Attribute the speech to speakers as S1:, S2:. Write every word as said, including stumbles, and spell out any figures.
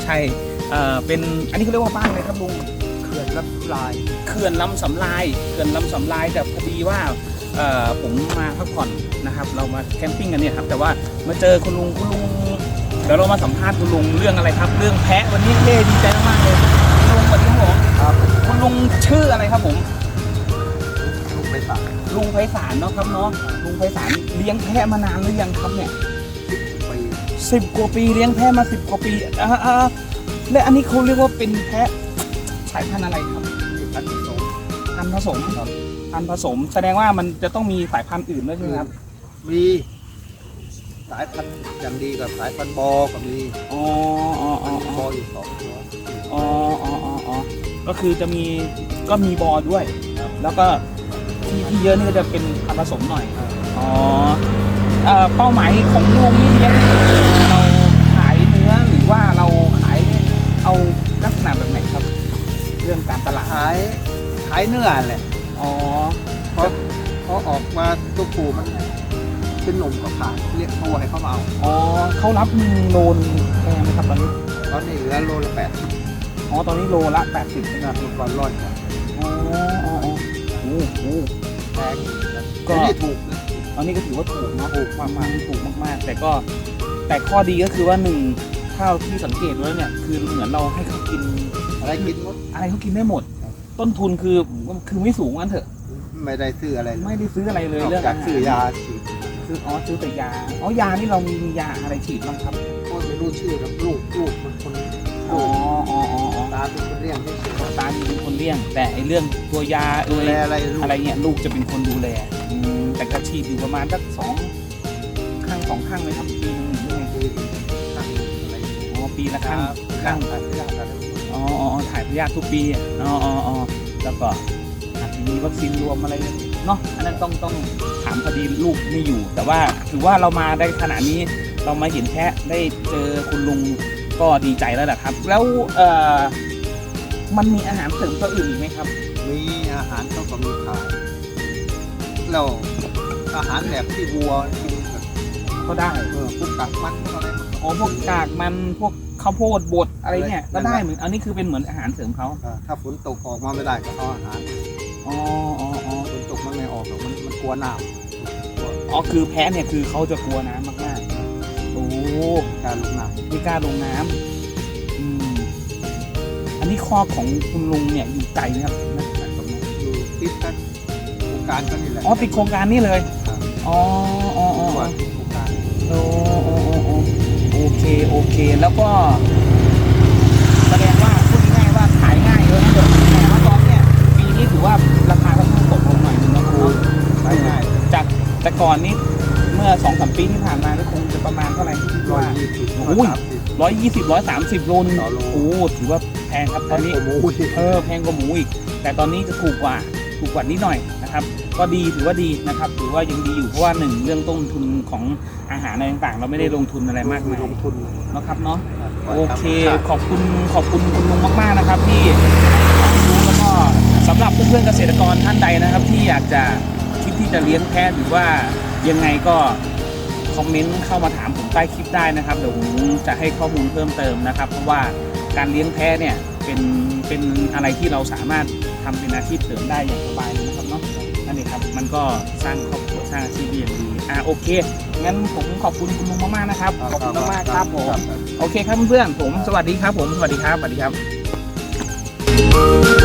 S1: ช่เอ่อเป็นอันนี้เขาเรียกว่าบ้านอะไรครับลุง
S2: เขื่อนลำลาย
S1: เขื่อนลำสำลายเขื่อนลำสำลายแต่พอดีว่าเอ่อผมมาพักผ่อนนะครับเรามาแคมปิ้งกันเนี่ยครับแต่ว่ามาเจอคุณลุงคุณลุงเดี๋ยวเรามาสัมภาษณ์คุณลุงเรื่องอะไรครับ เรื่องแพะวันนี้เท่ดีใจมากๆเลยคุณลุงสวัสดีครับผม
S2: ครับ
S1: คุณลุงชื่ออะไรครับผม
S2: ลูกไปตัด
S1: ลุงไพศาลเนาะครับเนาะลุงไพศาลเลี้ยงแพะมานานหรือยังครับเนี่ย
S2: ไป
S1: สิบกว่าปีเลี้ยงแพะมาสิบกว่าปีอ่าอ่าและอันนี้เขาเรียกว่าเป็นแพะสายพันธุ์อะไรครับ
S2: ที่พันธุ์สอง
S1: พันธุ์ผสม
S2: ครับ
S1: พันธุ์ผสมแสดงว่ามันจะต้องมีสายพันธุ์อื่นด้วยใช่ไหมครับ
S2: มีสายพันธุ์อย่างดีกับสายพันธุ์บอก็มี
S1: อ๋ออ๋ออ๋อ
S2: บออยู่สองตัว
S1: อ๋ออ๋ออ๋ออ๋อก็คือจะมีก็มีบอด้วย แล้วก็ที่ที่เยอะนี่ก็จะเป็นพันธุ์ผสมหน่อยอ๋อเอ่อเป้าหมายของลุงนี่เลี้ยงเราขายเนื้อหรือว่าเราขายเอาลักษณะแบบไหนครับ เรื่องการตลาด
S2: ขายขายเนื้อแหละ
S1: อ๋อ
S2: เพราะเพราะออกมาตัวปูมันเป็นหนุ่มก็ขายเรียกตัวให้เขามาเอา
S1: อ๋อเขารับโลนแพงไหมครับตอนนี้
S2: ตอนนี้เหลือโลละแปดสิบ
S1: อ๋อตอนนี้โลละแปดสิบ
S2: นะมีก่อนร้อยกว่า
S1: อ๋ออ๋ออ๋อโอ้โห
S2: แพงอยู่นะ
S1: ก็
S2: แต่นี่ถูกนะ
S1: ตอนนี้ก็ถือว่าถูกเนาะถูกมากๆถูกมากๆ แต่ก็แต่ข้อดีก็คือว่าหนึ่งข้าวที่สังเกตแล้วเนี่ยคือเหมือนเราให้เขากิน
S2: อะไรกินหมด
S1: อะไรเขากินได้หมด ต้นทุนคือคือไม่สูงกันเถอะ
S2: ไม่ได้ซื้ออะไรเลย
S1: ไม่ได้ซื้ออะไรเลย
S2: นอก
S1: เรื่อง
S2: จากซื้อยาฉีด
S1: ซื้ออ๋อซื้อแต่ยาอ๋อยานี่เรามียาอะไรฉีดบ้างครับ
S2: ก็ไม่รู้ชื่อกับลูกลูกมันคน
S1: อ๋ออ๋ออ๋ออ๋อ
S2: ตาเป็นคนเลี้ยงที่เฉย
S1: ตาดีเป็นคนเลี้ยง แต่ไอเรื่องตัวยา
S2: ดู
S1: เอ่ย
S2: แลอะไรลูก
S1: อะไรเงี้ยลูกจะเป็นคนดูแลอืมแต่ก็ฉีดอยู่ประมาณสักสองข้างสองข้างเลยครับปีหนึงหรือไง
S2: คือตั้งอะไร
S1: อ๋อปีละ
S2: ข้า
S1: ข้าง ง
S2: ข้า
S1: ข้าง ง
S2: ข้างข้างอะไร
S1: อ๋ออ๋อถ่ายพยาธิทุกปีอะอ๋ออ๋ออ๋อแล้วก็อาจจะมีวัคซีนรวมอะไรเนาะอันนั้นต้องต้องถามพอดีลูกไม่อยู่ แต่ว่าถือว่าเรามาได้ขนาดนี้เรามาเห็นแพะได้เจอคุณลุงก็ดีใจแล้วแหละครับ แล้วเอ่อมันมีอาหารเสริมตัวอื่นอีกไหมครับ
S2: มีอาหารเขาก็มีขายแล้วอาหารแบบที่วัวกินแบบ
S1: ก็ได้
S2: เออพวกกักมันพวกอะไรมัน
S1: อ๋อพวกกากมันพวกข้าวโพดบดอะไรเนี่ยก็ได้เหมือนอันนี้คือเป็นเหมือนอาหารเสริมเขา
S2: อ่าถ้าฝนตกออกมาไม่ได้ก็เอาอาหาร
S1: อ๋ออ๋ออ๋อ
S2: ฝนตกมันไม่ออกหรอกมันมันกลัวน้ำกลัว
S1: อ๋อคือแพะเนี่ยคือเขาจะกลัวน้ำมากๆโอ้
S2: การลงน้
S1: ไม่กล้าลงน้ำอืมอันนี้ข้อของคุณลุงเนี่ยอยู่ไกลไหมครับนะจากตรงนี้
S2: ำอยู่ติดกันโครงการก็นี่แหละ
S1: อ๋อติดโครงการนี้เลย
S2: ครับ
S1: อ๋ออ๋ออ๋อ
S2: ว่าติดโครงการ
S1: โอ้โอ้โอ้โอ้โอเคโอเคแล้วก็แสดงว่าพูดง่ายๆว่าขายง่ายเลยนะเดี๋ยวแต่ว่าตอนเนี้ยปีนี้ถือว่าราคาค่อนข้างตกลงหน่อยนึงนะครับเนาะ
S2: ขายง่าย
S1: จากแต่ก่อนนี้เมื่อสองสามปีที่ผ่านมานี่คงจะประมาณเท่าไหร่ที่คิด
S2: ร้อย
S1: ว่า
S2: ยี่สิบ
S1: โอ้ย
S2: สามสิบ
S1: ร้อยยี่สิบร้อยสามสิบโลนึง
S2: ต่อโล
S1: โอ้ถือว่าแพงครับตอนนี้
S2: โอ้โห
S1: เออแพงกว่าหมูอีก แต่ตอนนี้จะถูกกว่าถูกกว่านิดหน่อยนะครับ ก็ดีถือว่าดีนะครับถือว่ายังดีอยู่เพราะว่าหนึ่งเรื่องต้นทุนของอาหารอะไรต่างๆ เราไม่ได้ลงทุนอะไรมากมาย
S2: ลงทุน
S1: นะครับเนาะ
S2: ก่น
S1: โอ
S2: ทำ
S1: เค
S2: ข้าว
S1: ขอบคุณขอบคุณคุณลุงมากๆนะครับที่รู้แล้วก็สำหรับเพื่อนๆเกษตรกรท่านใดนะครับ ที่อยากจะคิดที่จะเลี้ยงแพะหรือว่ายังไงก็คอมเมนต์เข้ามาถามผมใต้คลิปได้นะครับเดี๋ยวผมจะให้ข้อมูลเพิ่มเติมนะครับ เพราะว่าการเลี้ยงแพะเนี่ยเป็นเป็นอะไรที่เราสามารถทำเป็นอาชีพเสริมได้อย่างสบายเลยนะครับเนาะนั่นเองครับมันก็สร้างครอบครัวสร้างอาชีพได้อย่างดีอ่าโอเคงั้นผมขอบคุณคุณลุงมากๆนะครับขอบคุณมากๆครับผม โอเคครับเพื่อนๆผมสวัสดีครับผมสวัสดีครับสวัสดีครับ